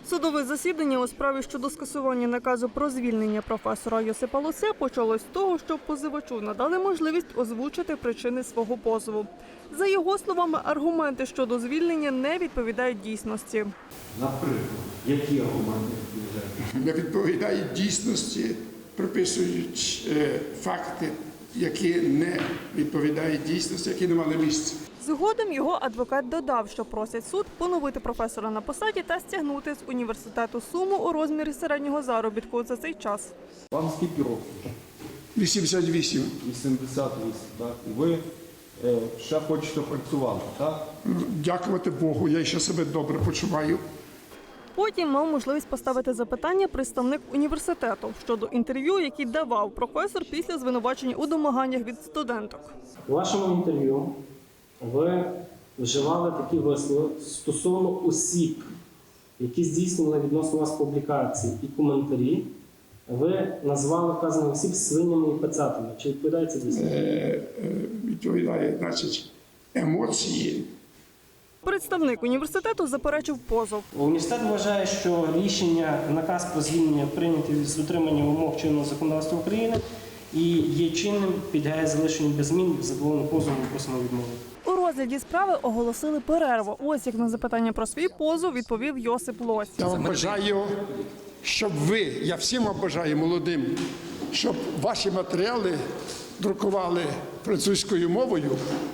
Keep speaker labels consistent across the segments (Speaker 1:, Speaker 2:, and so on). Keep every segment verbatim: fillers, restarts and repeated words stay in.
Speaker 1: Судове засідання у справі щодо скасування наказу про звільнення професора Йосипа Лося почалось з того, що позивачу надали можливість озвучити причини свого позову. За його словами, аргументи щодо звільнення не відповідають дійсності.
Speaker 2: Наприклад, які аргументи відповідають?
Speaker 3: Не відповідають дійсності, приписують е, факти, які не відповідають дійсності, які не мали місця.
Speaker 1: Згодом його адвокат додав, що просять суд поновити професора на посаді та стягнути з університету суму у розмірі середнього заробітку за цей час.
Speaker 2: Вам скільки років?
Speaker 3: вісімдесят вісім.
Speaker 2: вісімдесят вісім, так? І ви е, ще хочете працювати, так?
Speaker 3: Дякувати Богу, я ще себе добре почуваю.
Speaker 1: Потім мав можливість поставити запитання представник університету щодо інтерв'ю, які давав професор після звинувачення у домаганнях від студенток.
Speaker 4: У вашому інтерв'ю ви вживали такі вислови стосовно осіб, які здійснювали відносно вас публікації і коментарі. Ви назвали вказаних осіб свинями і пацатами. Чи відповідає це дійсно?
Speaker 3: Е, е, відповідає, значить, емоції.
Speaker 1: Представник університету заперечив позов.
Speaker 4: Університет вважає, що рішення, наказ про звільнення прийнятий з дотриманням вимог чинного законодавства України і є чинним, підлягає залишенню без змін, задоволеним позовом просимо відмовити.
Speaker 1: У розгляді справи оголосили перерву. Ось як на запитання про свій позов відповів Йосип Лось.
Speaker 3: Я вам бажаю, щоб ви, я всім вам бажаю молодим, щоб ваші матеріали друкували французькою мовою.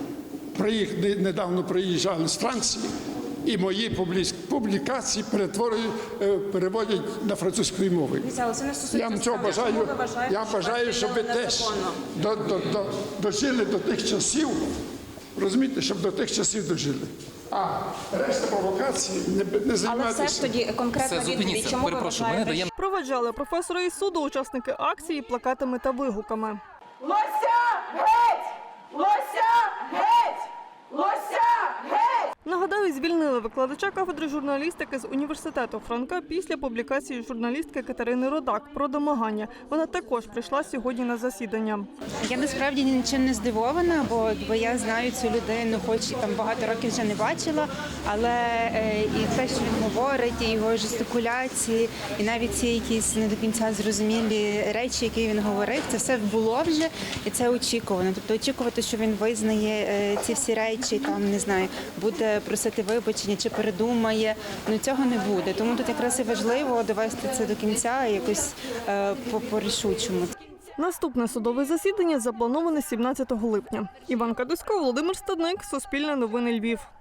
Speaker 3: Приїх, недавно приїжджали з Франції, і мої публікації перетворюють, переводять на французькою мовою. Я вам цього бажаю, я бажаю, щоб ви теж до, до, до, дожили до тих часів, розумієте, щоб до тих часів дожили. А решта провокацій не, не займайтеся.
Speaker 5: Але все ж тоді конкретна відповідь, чому ви вважаєте?
Speaker 1: Проведжали професора із суду учасники акції плакатами та вигуками.
Speaker 6: Лося геть! Лося геть! Лося геть!
Speaker 1: Нагадаю, звільнили викладача кафедри журналістики з університету Франка після публікації журналістки Катерини Родак про домагання. Вона також прийшла сьогодні на засідання.
Speaker 7: Я насправді нічим не здивована, бо, бо я знаю цю людину, хоч там багато років вже не бачила, але е, і те, що він говорить, і його жестикуляції, і навіть ці якісь не до кінця зрозумілі речі, які він говорив, це все було вже, і це очікувано. Тобто очікувати, що він визнає е, ці всі речі, там, не знаю, буде просити вибачення чи передумає, ну цього не буде. Тому тут якраз і важливо довести це до кінця якось е, по-рішучому.
Speaker 1: Наступне судове засідання заплановане сімнадцятого липня. Іван Кадусько, Володимир Стадник, Суспільне новини Львів.